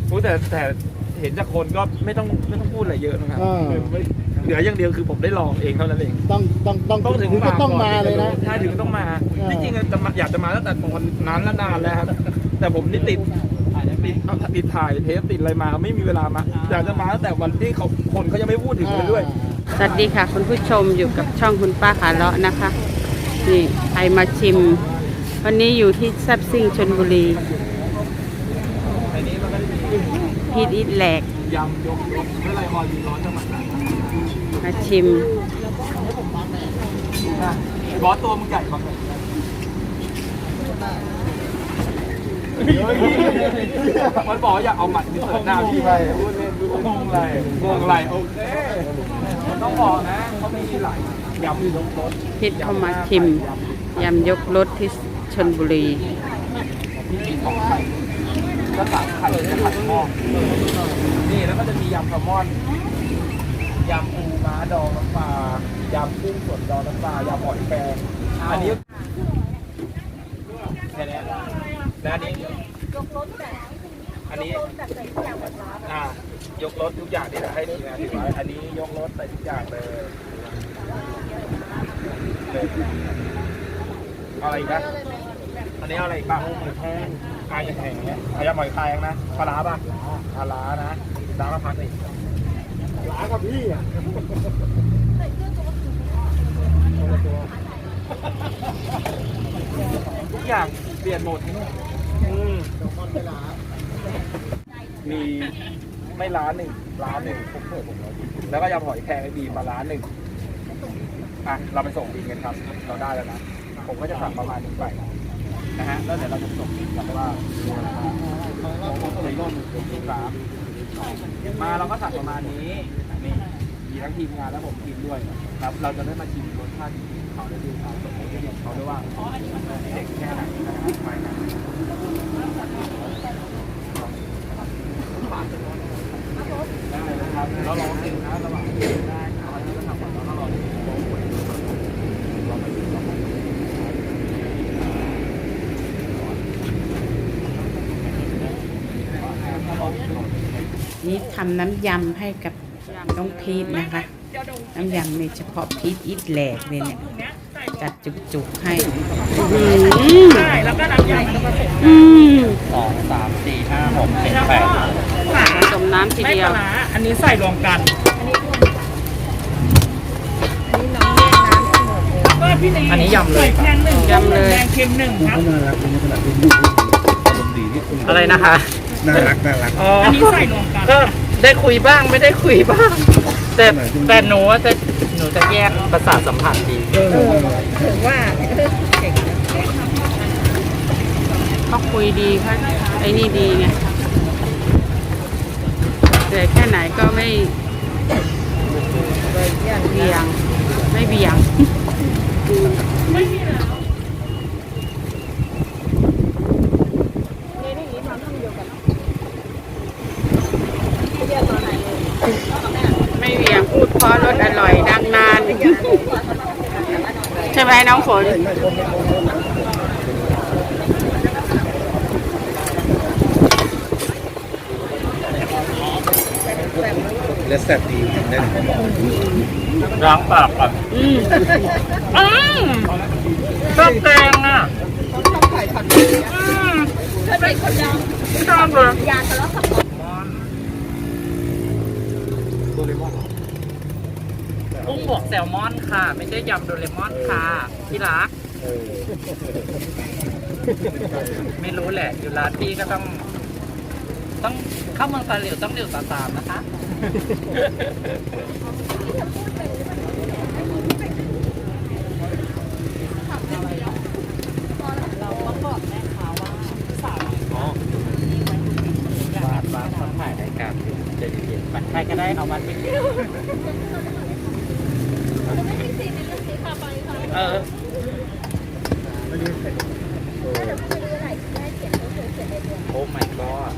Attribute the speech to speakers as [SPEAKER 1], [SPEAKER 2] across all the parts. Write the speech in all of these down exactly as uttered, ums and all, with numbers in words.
[SPEAKER 1] โอ้แต่แต่เห็นจากคนก็ไม่ต้องไม่ต้องพูดอะไรเยอะนะครับเหลืออย่างเดียวคือผมได้ลองเองเท่านั้นเอง
[SPEAKER 2] ต้องต้องต้อง
[SPEAKER 1] ต้องถึง
[SPEAKER 2] ก็ต้องมาเลยนะ
[SPEAKER 1] ใช่ถึงต้องมาที่จริงจะอยากจะมาตั้งแต่ตอนนั้นและนานแล้วครับแต่ผมนี่ติดติดติดถ่ายเทปติดอะไรมาไม่มีเวลามาอยากจะมาตั้งแต่วันที่เขาคนเขายังไม่พูดถึงเลยด้วย
[SPEAKER 3] สวัสดีค่ะคุณผู้ชมอยู่กับช่องคุณป้าขาเลาะนะคะนี่ใครมาชิมวันนี้อยู่ที่แซ่บซิ่งชลบุรีพีทอิทแหลก
[SPEAKER 1] ยำยกรถเมื่อไรออยมีร้อนจังหวัดไหน
[SPEAKER 3] มาชิม
[SPEAKER 1] บอสตัวมึงใหญ่กว่ามันบอกอยากเอาหมัดที่เสิร์ฟหน้าพี่ไปพูดเล่นพูดงงไรงงไรโอเคต้องบอกนะเขาไม่มีหลายยำยกรถ
[SPEAKER 3] พีทเข้ามาชิมยำยกรถที่ชลบุรี
[SPEAKER 1] ก็สามไข่จะผัดหม้อนี่แล้วก็จะมียำแซลมอนยำปูม้าดองน้ำปลายำกุ้งสดดองน้ำปลายำหอยแครงอันนี้แค่นี้และอันนี้ยกรถแบบอันนี้อ่ายกรถทุกอย่างที่เราให้ทีมงานถือไว้อันนี้ยกรถใส่ทุกอย่างเลยอะไรอีกนะอันนี้อะไรอีกบ้างหอยแครงกายจะแข็งเนี้ยเอายำหอยแครงนะปลาร้าป่ะปลาร้านะล้างแล้วพักเลยล้างกับพี่อ่ะทุกอย่างเปลี่ยนหมดมีไม่ร้านหนึ่งร้านหนึ่งผมเปิดผมแล้วแล้วก็ยำหอยแครงไอ้บีมาร้านหนึ่งอ่ะเราไปส่งบินกันครับเราได้แล้วนะผมก็จะสั่งประมาณนี้ไปนะฮะแล้วเดี๋ยวเราจะส่งบินกันว่าในร่มสามมาเราก็สั่งประมาณนี้นี่มีทั้งทีมงานและผมทีมด้วยครับเราจะได้มาชิมรสชาติเขาได้ดูเขาส่งให้เด็กเขาด้วยว่าเด็กแค่ไหนนะครับไปนะได้เลยครับเราลองกินนะระหว่างกินได้เอาอันนี้ก็ทำก่อนแล้วก็รอ
[SPEAKER 3] นี่ทำน้ำยำให้กับน้องพีทนะคะน้ำยำในเฉพาะพีทอิทแหลกเลยเนี่ยจัดจุกๆให้
[SPEAKER 4] ใช่แล้วก็น้ำยำก็ผสม
[SPEAKER 1] สองสามสี่ห้าหกเจ็ดแปด
[SPEAKER 3] ผสมน้ำทีเดียว
[SPEAKER 4] อันนี้ใส่รวมกัน
[SPEAKER 1] อันนี้ยำเลย
[SPEAKER 4] แกงหนึ่ง
[SPEAKER 3] ยำเลย
[SPEAKER 4] แกงเค็มหนึ่งครับ
[SPEAKER 1] อะไรนะคะ
[SPEAKER 2] น่ารักน่ารัก
[SPEAKER 4] อันนี้ใส่รวมกัน
[SPEAKER 1] ก็ได้คุยบ้างไม่ได้คุยบ้างแต่แต่หนูจะหนูจะแยกประสาทสัมผัสดี
[SPEAKER 3] ถึงว่าเขาคุยดีเขาไอ้นี่ดีไงแต่แค่ไหนก็ไม่เบี่ยงไม่เบี่ยงไม่เบี่ยงพูดเพราะรสอร่อยดังนานใช่ไหมน้องฝน
[SPEAKER 2] และแซ่บดีแน่น
[SPEAKER 1] ล้างปากก่อน
[SPEAKER 3] อืม
[SPEAKER 4] อืมชอบแกงอ่ะชอบไข่ผัดอืมชอบไข่คนยำชอบเลยยาทะเลาะกับ
[SPEAKER 1] โดเรมอน
[SPEAKER 4] กุ้งบวกแซลมอนค่ะไม่ใช่ยำโดเรมอนค่ะพี่รักไม่รู้แหละอยู่ร้านพี่ก็ต้องต้องเข้าเมืองตาเหลียวต้องเหลียวตาตามนะคะเราก็บอกแม่ค้าว่าสาวอ๋อบ้านบ้านต้องถ่ายรายการจะเย็นๆใครก็ได้เอามาติดเออโอ้ my god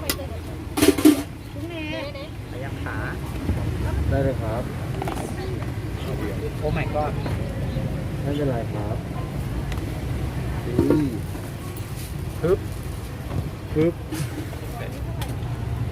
[SPEAKER 4] ยังขา
[SPEAKER 2] ได้เลยครับ
[SPEAKER 4] โอ้ my god
[SPEAKER 2] ไม่เป็นไรครับ
[SPEAKER 1] ฮึบ
[SPEAKER 2] ฮึบ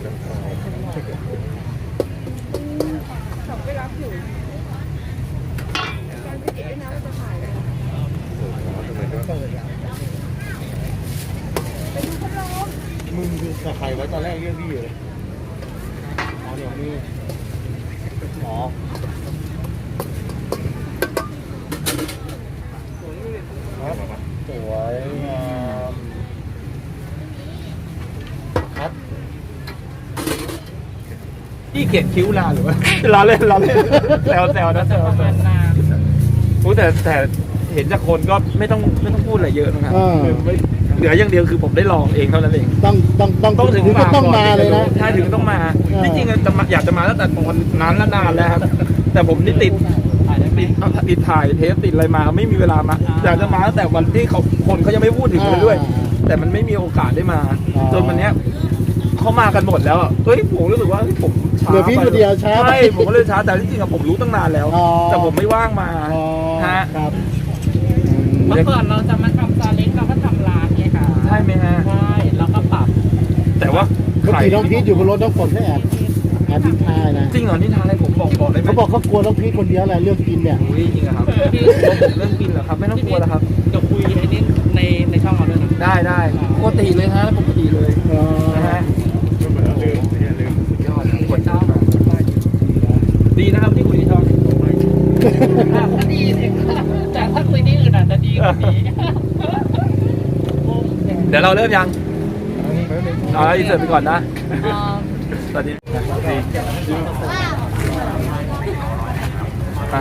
[SPEAKER 2] มึงกับใครไว้ตอนแรกเรียกพี่เลยอ๋อเดี๋ยวนี้อ๋อสวยงามครับ
[SPEAKER 1] พี่เขียนคิ้วลาหรือว่า ล้อเล่นล้อเล่นแซวแซวนะแซวแซวรู้แต่แต่เห็นจากคนก็ไม่ต้องไม่ต้องพูดอะไรเยอะนะครับ
[SPEAKER 2] อ่า
[SPEAKER 1] คือไม่เหลืออย่างเดียวคือผมได้ลองเองเท่านั้นเอง
[SPEAKER 2] ต้องต้องต้อง
[SPEAKER 1] ต้องถึง
[SPEAKER 2] ก็
[SPEAKER 1] มา
[SPEAKER 2] ต้อง
[SPEAKER 1] ก่น
[SPEAKER 2] มาเลยนะ
[SPEAKER 1] ใช่ถึงต้องมา
[SPEAKER 2] อ่า
[SPEAKER 1] ที่จริงจะมาอยากจะมาตั้งแต่ตอนนั้นและนานแล้วครับ แต่ผมนี่ติดติดติดถ่ายเทปติดอะไรมาไม่มีเวลามาอยากจะมาตั้งแต่วันที่เขาคนเขายังไม่พูดถึงเลยด้วย แต่มันไม่มีโอกาสได้มา จนวันเนี้ยเขามากันหมดแล้วอะเฮ้ยผมรู้สึกว่าเฮ้ยผมช้า
[SPEAKER 2] เหลือพี่
[SPEAKER 1] ไป
[SPEAKER 2] คนเดียวช้าไป
[SPEAKER 1] ใช่ผมก็เลยช้าแต่ที่จริงอะผมรู้ตั้งนานแล้ว
[SPEAKER 2] อ๋อ
[SPEAKER 1] แต่ผมไม่ว่างมา
[SPEAKER 2] อ๋อ
[SPEAKER 1] ฮะ
[SPEAKER 2] ครับ
[SPEAKER 4] เมื่อก่อนเราจะมาทำซาเล้งเราก็ทำร้านไงค่ะ
[SPEAKER 1] ใช่ไหมฮะ
[SPEAKER 4] ใช่แล้วก็ปรับ
[SPEAKER 1] แต่ว่า
[SPEAKER 2] เมื่อกี้น้องพีทอยู่บนรถน้องฝนก็แอบแอบดินทายนะ
[SPEAKER 1] จริงเหรอนี่ทางอะไรผมบอกบอกได้ไหม
[SPEAKER 2] เขาบอกเขากลัวน้องพีทคนเดียวแหละเรื่องกินเนี่ย
[SPEAKER 1] อุ้ยจริงเหรอครับพี่ผมเรื่องกินเหรอครับไม่ต้องกลัวแล้วครับ
[SPEAKER 4] จะคุยไอ้นี่ในในช่องเราด้วยนะ
[SPEAKER 1] ได้ได้ปกติเลยฮะปกติเลย
[SPEAKER 2] อ๋อ
[SPEAKER 1] นะฮะยอดกดเจ้าดีนะครับที่คุยในช่อง
[SPEAKER 4] ก็ดีสิแต่ถ้าคุยที่อื่นอาจจะดีกว่านี้
[SPEAKER 1] เดี๋ยวเราเริ่มยังเอาอินเสิร์ตไปก่อนนะสวัสดีมา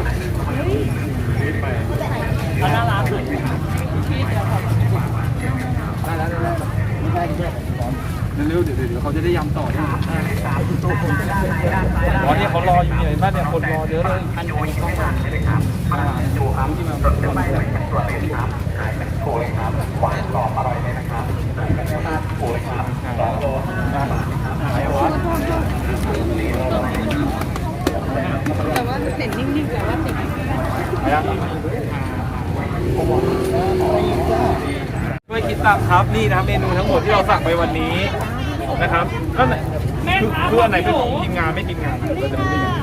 [SPEAKER 4] เขาน่ารักเลยพี่เดียวครับ
[SPEAKER 1] ได้แล้วได้แล้วเร็วๆเดี๋ยวเดี๋ยวเขาจะได้ยำต่อที่อ๋อเนี่ยเขารออยู่เนี่ยบ้านเนี่ยคนรอเยอะเลยอันนี้ต้องรอเลยครับดูครับที่มาเป็นคนเลยตัวเลยครับขายเป็นโคเลยครับหวานกรอบอร่อยเลยนะครับโคเลยครับสองโลขายวัด
[SPEAKER 4] แต่ว่าเส้นนิ่งๆแต่ว่าติด
[SPEAKER 1] ช่วยคิดตามครับนี่นะครับเมนูทั้งหมดที่เราสั่งไปวันนี้นะครับก็คือคืออันไหนเป็นของทีมงานไม่ทีมงานเราจะไม่ได้ยัง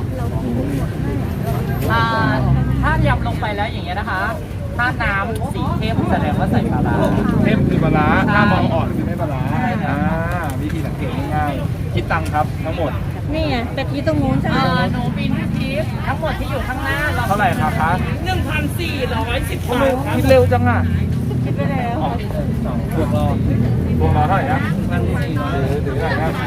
[SPEAKER 4] อ่าถ้ายำลงไปแล้วอย่างเงี้ยนะคะ ถ้าน้ำสีเข้มแสดงว่าใส่ปลาร้า
[SPEAKER 1] เข้มคือปลาร้าถ้ามองอ่อนคือไม่ปลาร้าอ่าวิธีสังเกตง่ายๆคิดตังค์ครับทั้งหมด
[SPEAKER 5] นี่ไงแต่กี้ตรงนู้นใช่ไหม
[SPEAKER 4] อ่าหนูบินทิปทั้งหมดที่อยู่ข้างหน้าเรา
[SPEAKER 1] เท่าไหร่ครับคะ
[SPEAKER 4] หนึ่งพันสี่ร้อยสิบ
[SPEAKER 1] ทำ
[SPEAKER 4] บา
[SPEAKER 1] ไม
[SPEAKER 4] ทครับ
[SPEAKER 1] คิดเร็วจังอ่ะ
[SPEAKER 5] คิดไปแล้ว
[SPEAKER 1] อ๋อพวงรอพวงรอเท่าไหร่นะนั่นสี่ร้อยหรือเท่าไหร่นะ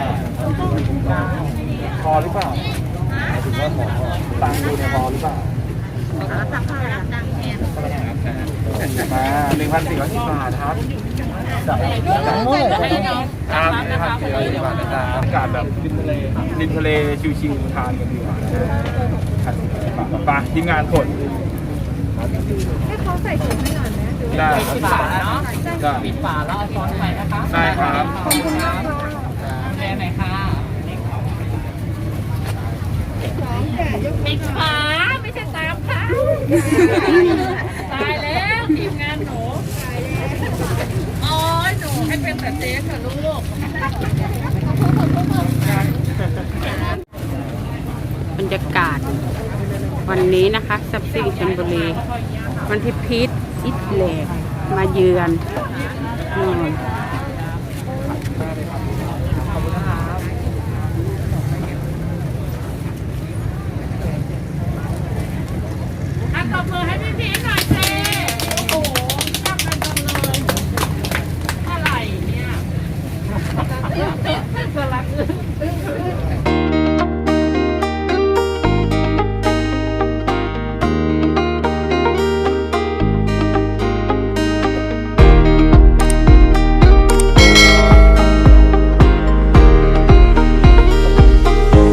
[SPEAKER 1] พอหรือเปล่าถึงว่าพอตังค์ดูเนี่ยพอหรือเปล่ามาหนึ่งพันสี่ร้อยสิบบาทครับจากจากครับหนึ่งพันสี่ร้อยสิบบาทนะครับอากาศแบบริมทะเลริมทะเลชิวๆทานกันดีกว่าพันสี่ร้อยสิบบาทไปทีมงานกด
[SPEAKER 5] ให้เขาใส่ถุงให้หน่อยนะ
[SPEAKER 1] ได้
[SPEAKER 4] ปิดฝาเนาะ
[SPEAKER 1] ได้
[SPEAKER 4] ปิดฝาแล้วเอาช้อนไปนะคะ
[SPEAKER 1] ได้ครับ
[SPEAKER 5] ขอบคุณมากค่ะ
[SPEAKER 4] แม่ไหนค่ะ
[SPEAKER 5] สองแก่ยก
[SPEAKER 4] ปิดฝาไม่ใช่ตามค่ะตายแล้วทีมงานหนูโอ้ยหนูให้เป็นแต่เจ๊ค่ะลูก
[SPEAKER 3] บรรยากาศ วันนี้นะคะซับซิ่งชลบุรีวันที่พีทอิทแลกมาเยือนอืม
[SPEAKER 4] อ่ะตบมือให้พี่พีชหน่อยเจ๊โอ้โหชอบกันจังเลยอะไรเนี่ย สลัก